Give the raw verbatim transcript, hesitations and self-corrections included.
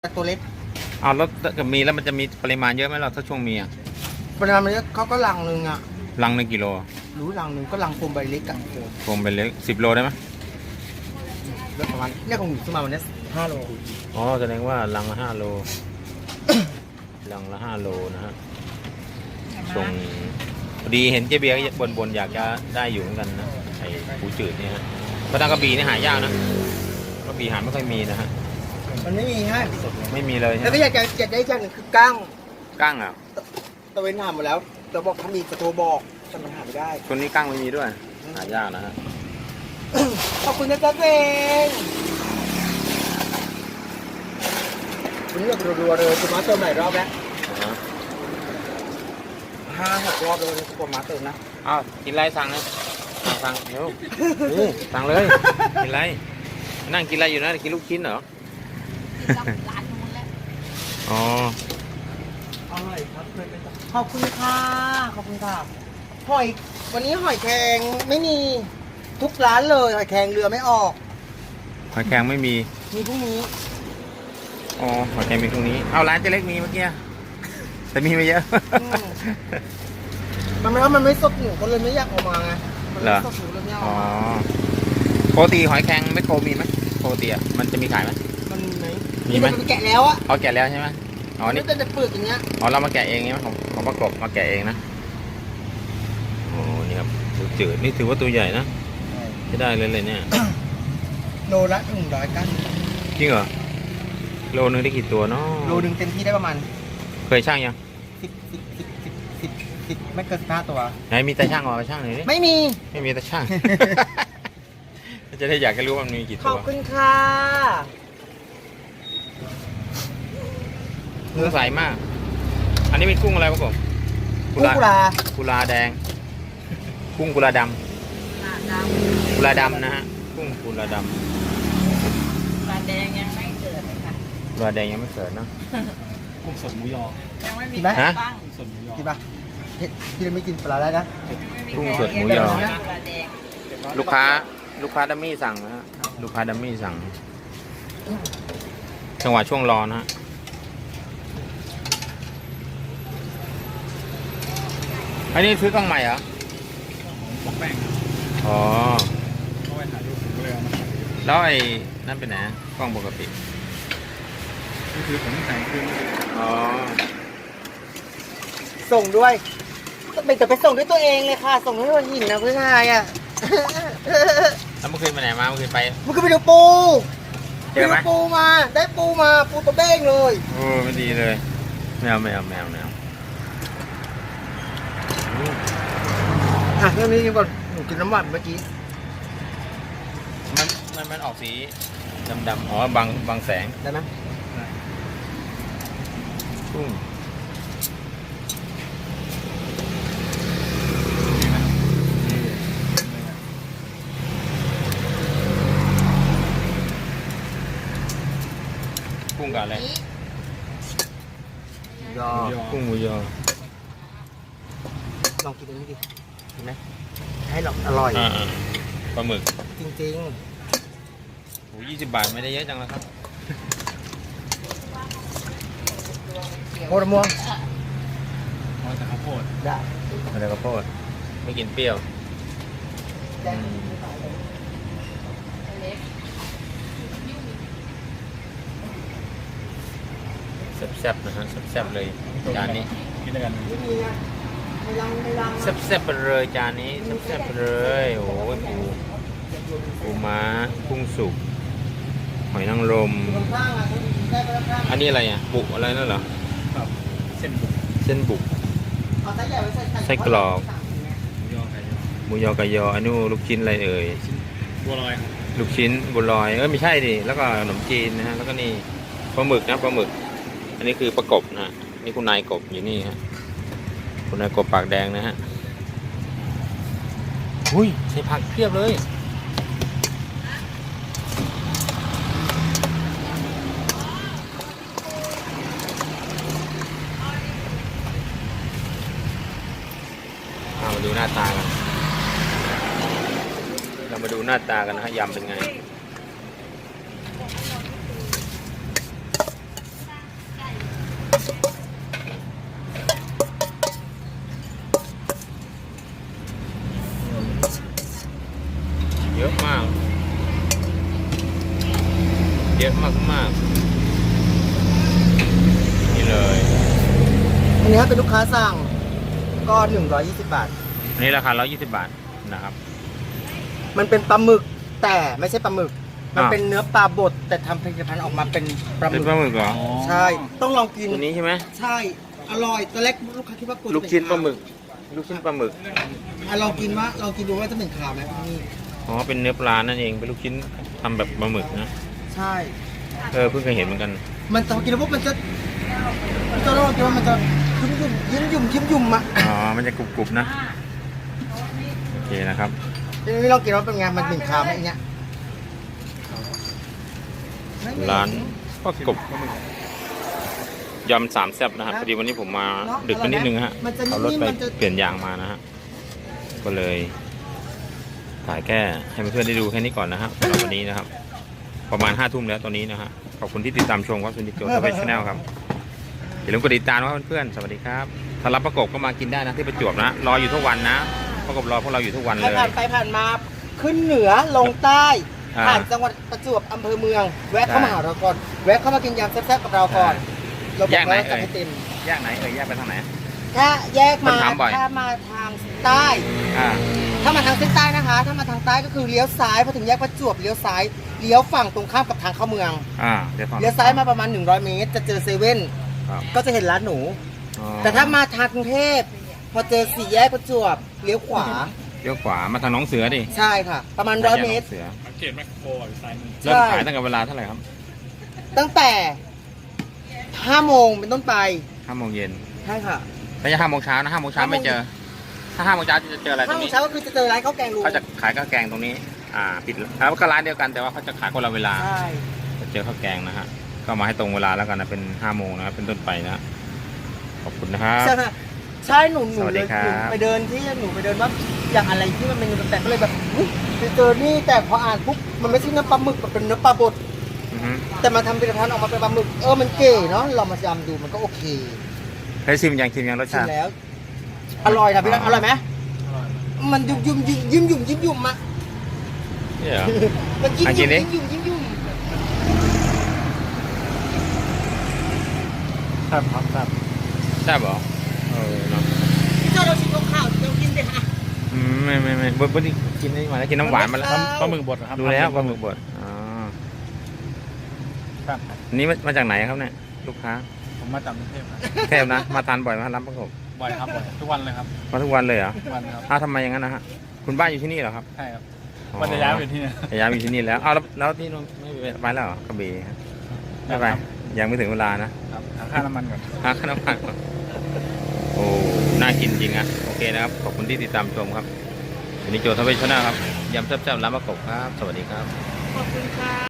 ตัวเล็กเอาแล้วกับมีแล้วมันจะมีปริมาณเยอะไหมเราถ้าช่วงมีอ่ะปริมาณมันเยอะเขาก็ลังหนึ่งอ่ะลังหนึ่งกิโลรู้ลังหนึ่งก็ลังโฟมใบเล็กกันโฟมใบเล็กสิบโลได้ไหมแล้วประมาณเนี่ยของหนูซื้อมาวันนี้ห้าโลอ๋อแสดงว่าลังละห้าโล ลังละห้าโลนะฮะส่งพอดีเห็นเจ๊เบียร์บนบนอยากจะได้อยู่เหมือนกันนะไอ้ปูจืดเนี่ยฮะเพราะทางกระบี่นี่หายากนะกระบี่หาไม่ค่อยมีนะฮะมันไม่มีฮะไม่มีเลยแล้วก็อยากจะอยากได้อย่างหนึ่งคือกั้งกั้งอ่ะตะเวนถามมาแล้วเราบอกถ้ามีกระโทรบอกแต่มันหาไม่ได้คนนี้กั้งไม่มีด้วยหายากนะฮะขอบคุณนะจ๊ะเองวันนี้เรารัวๆเลยคุณมาเติมหลายรอบแล้วห้าหกรอบเลยคุณมาเติมนะอ้าวกินไรสั่งเลยสั่งสั่งเดี๋ยวสั่งเลยกินไรนั่งกินอะไรอยู่นะกินลูกชิ้นเหรอร้านนู้นแหละอ๋ออร่อยครับขอบคุณค่ะขอบคุณค่ะหอยวันนี้หอยแครงไม่มีทุกร้านเลยหอยแครงเรือไม่ออกหอยแครงไม่มีมีพรุ่งนี้อ๋อหอยแครงมีพรุ่งนี้เอาร้านเจ๊เล็กมีเมื่อกี้แต่มีไม่เยอะมันไม่ว่ามันไม่สดหนูก็เลยไม่อยากออกมาไงมันไม่สดหนูเลยไม่เอาอ๋อโปรตีหอยแครงไม่โคมีไหมโปรตีอ่ะมันจะมีขายไหมมันไหมมีไหมมันแกะแล้วอะเอาแกะแล้วใช่ไหมอ๋อนี่จะเปิดอย่างเงี้ยอ๋อเรามาแกะเองใช่ไหมของของประกบมาแกะเองนะโอ้นี่ครับจืดนี่ถือว่าตัวใหญ่นะไม่ได้เลยเลยเนี่ยโลละหนึ่งร้อยกันจริงเหรอโลนึงได้กี่ตัวเนาะโลนึงเต็มที่ได้ประมาณเคยช่างยังสิบสิบสิบสิบสิบสิบไม่เกินสิบห้าตัวไหนมีแต่ช่างออกมาช่างหน่อยดิไม่มีไม่มีแต่ช่างจะได้อยากให้รู้ว่ามันมีกี่ตัวขอบคุณค่ะเนื้อใสมากอันนี้เป็นกุ้งอะไรครับผมกุ้งกุลากุลาแดงกุ้งกุลาดำกุลาดำนะฮะกุ้งกุลาดำกุลาแดงยังไม่เกิดเลยค่ะกุลาแดงยังไม่เกิดเนาะกุ้งสดหมูยอยังไม่มีฮะสดหมูยอกินปะพี่ไม่กินปลาได้นะกุ้งสดหมูยอลูกค้าลูกค้าดัมมี่สั่งนะฮะลูกค้าดัมมี่สั่งจังหวะช่วงรอนะฮะอันนี้ซื้อกล้องใหม่เหรอบอกแป้งอ๋อเขาไปถ่ายรูปผมก็เลยเอามาถ่ายแล้วไอ้นั่นเป็นไหนกล้องปกตินี่คือผมแต่งคืนอ๋อส่งด้วยเป็นแต่ไปส่งด้วยตัวเองเลยค่ะส่งด้วยหัวหินนะเพื่อนชายอ่ะแล้วเมื่อคืนไปไหนมาเมื่อคืนไปเมื่อคืนไปดูปูเจอไหมปูมาได้ปูมาปูตัวเบ้งเลยโอ้ไม่ดีเลยแมวแมวแมวแมวอ่ะเรื่องนี้ก่อนหนูกินน้ำหวานเมื่อกี้มันมันมันออกสีดำๆอ๋อบางบางแสงได้ไหมกุ้งกุ้งกับอะไรยอกุ้งหมูยอลองกินดูดิเห็นไหมให้หลอกอร่อยปลาหมึกจริงๆโอ้ยี่สิบบาทไม่ได้เยอะจังแล้วครับโคตรม่วงอ๋อแต่ข้าวโพดได้อะไรข้าวโพดไม่กินเปรี้ยวแซ่บๆนะฮะแซ่บๆเลยจานนี้กินด้วยกันแซ่บๆไปเลยจานนี้แซ่บๆไปเลยโอ้ยปูปูม้ากุ้งสุกหอยนางรมอันนี้อะไรอ่ะบุกอะไรนั่นเหรอครับเส้นบุกเส้นบุกไส้กรอกหมูยอไก่ยออันนู้ลูกชิ้นอะไรเอ่ยบัวลอยลูกชิ้นบัวลอยเออไม่ใช่ดิแล้วก็ขนมจีนนะฮะแล้วก็นี่ปลาหมึกนะปลาหมึกอันนี้คือประกบนะฮะนี่คุณนายกบอยู่นี่ฮะคุณนายกบปากแดงนะฮะอุ้ยใส่ผักเพียบเลยมาดูหน้าตากันเรามาดูหน้าตากันนะฮะยำเป็นไงถ้าเป็นลูกค้าสั่งก็หนึ่งร้อยยี่สิบบาทอันนี้ราคาร้อยยี่สิบบาทนะครับมันเป็นปลาหมึกแต่ไม่ใช่ปลาหมึก มันอ้าวเป็นเนื้อปลาบดแต่ทำผลิตภัณฑ์ออกมาเป็นปลาหเป็มึนกปลาหมึกเหรอใช่ ต้องลองกินตัวนี้ใช่ไหมใช่ อร่อยตอนแรกลูกค้าคิดว่ากลัวจะลูกเป็ชิ้นปลาหมึกขลูกชิ้นปลาหมึกวอ่ะลองกินว่าลองกินดูว่าจะเป็นขาวไหมนี่อ๋อเป็นเนื้อปลานั่นเองเป็นลูกชิ้นทำแบบปลาหมึกนะใช่เออเพิ่งเคยเห็นเหมือนกันมันจะกินแล้วพวกมันจะมันจะลองกินว่ามันจะยิ้มยุ่มยิ้มยุ่มยิ้มยุ่มอะอ๋อมันจะกรุบๆนะโอเคนะครับทีนี้ลองกินว่าเป็นไงมันเป็นขาวไหมอย่างเงี้ยร้านป้ากบยำสามแซ่บนะครับพอดีวันนี้ผมมาดึกไปนิดนึงฮะมันจะเอารถไปเปลี่ยนยางมานะฮะก็เลยถ่ายแค่ให้เพื่อนๆได้ดูแค่นี้ก่อนนะฮะสำหรับวันนี้นะครับ ประมาณห้าทุ่มแล้วตอนนี้นะฮะขอบคุณที่ติดตามชมครับสุนิจโจทวีชแนลครับอย่าลืมกดติดตามนะครับเพื่อนๆสวัสดีครับถ้ารับประกบก็มากินได้นะที่ประจวบนะรออยู่ทุกวันนะประกบรอพวกเราอยู่ทุกวันใคเลรยผ่านไปผ่านมาขึ้นเหนือลงใต้อ่าผ่านจังหวัดประจวบอำเภอเมือง แวะเข้ามาหาเราก่อนแวะเข้ามากินยำแซ่บๆกับเราก่อนเราบแยอกกไหนว่าจะเอ่ยให้เต็มแยกไหนเอ่ยแยกไปทางไหนถ้าแยกมาคนถามบ่อยถ้ามาทางใต้อ่าถ้ามาทางเส้นใต้นะคะ ถ้ามาทางใต้ก็คือเลี้ยวซ้ายพอถึงแยกประจวบเลี้ยวซ้ายเลี้ยวฝั่งตรงข้ามกับทางเข้าเมืองอ่าเดี๋ยวฟังเลี้ยวซ้ายมาประมาณหนึ่งร้อยเมตร จะเจอเซเว่นครับก็จะเห็นร้านหนูอ๋อแต่ถ้ามาทางกรุงเทพพอเจอสี่แยกประจวบเลี้ยวขวาเลี้ยวขวามาทางหน้องเสือดิใช่ค่ะ ประมาณร้อยเมตรหน้าแยกหนองเสือสังเกตแมคโครอยู่ซ้ายมือเริ่มขายตั้งแต่เวลาเท่าไหร่ครับตั้งแต่ห้าโมงเป็นต้นไปห้าโมงเย็นใช่ค่ะไม่ใช่ห้าโมงเช้านะห้าโมงเช้าไม่เจอ ถ้าห้าโมงเช้าจะเจออะไรตรห้าง โมงนี้เช้าก็คือจะเจอร้านข้าวแกงลุงเขาจะขายข้าวแกงตรงนี้ อ่าปิดแล้วก็ร้านเดียวกันแต่ว่าเขาจะขายคนละเวลาใช่จะเจอข้าวแกงนะฮะก็มาให้ตรงเวลาแล้วกันนะเป็นห้าโมงนะครับเป็นต้นไปนะขอบคุณนะครับใช่ค่ะใช่หนูหนูสวัสเลดียครับหนูไปเดินที่หนูไปเดินว่าอย่างอะไรที่มันเป็นเนื้อแปลกๆก็เลยแบบอุ๊ยไปเจอนี่แต่พออ่านปุ๊บมันไม่ใช่เนื้อปลาหมึกมันเป็นเนื้อปลาบดอือฮึแต่มาทำผลิตภัณฑ์ออกมาเป็นปลาหมึกเออมันเก๋เนาะเรามาจำดูมันก็โอเคเคยชิมยังชิมยังรสชิชาม ติแล้ว อร่อยนะพี่รักอร่อยไหมมันยุ่มยุ่มยิ้มยิ้มยุ่มยิ้มยุ่มอะนี่เหรอมันยิ้มอ่ะกิยุ่นมดิยิ้มยุ่มยิ้มยุ่มครับครับครับใช่บเหรอเออเนาะเจ้าเราชิมข้าวเรากินดิฮะอืมไม่ไม่ไม่บดบดกินนี่มาแล้วกินน้ำหวานมาแล้วครับปลาหมึกบดเหรอครับดูแล้วปลาหมึกบดอ๋อครับอันนี้มามาจากไหนครับเนี่ยลูกค้าผมมาจากกรุงเทพครับเทพนะ มาทานบ่อยไหมารับประกบบ่อยครับบ่อยทุกวันเลยครับมาทุกวันเลยเหรอทุกวันครับอ้าวทำไมอย่างนั้นนะฮะคุณบ้านอยู่ที่นี่เหรอครับใช่ครับวันจะย้ายไปที่นี่จะย้ายไปอยู่ที่นี่แล้วอ้าวแล้วแล้วที่นู่นไม่ไปแล้วเหรอกระบี่ครับไม่ไปยังไม่ถึงเวลานะครับหาค่าน้ำมันก่อนหาขนมปังก่อนโอ้น่ากินจริงอะโอเคนะครับขอบคุณที่ติดตามชมครับวันนี้โจทย์ทวีชนะครับยำแซ่บๆร้านประกบครับ สวัสดีครับขอบคุณค่ะ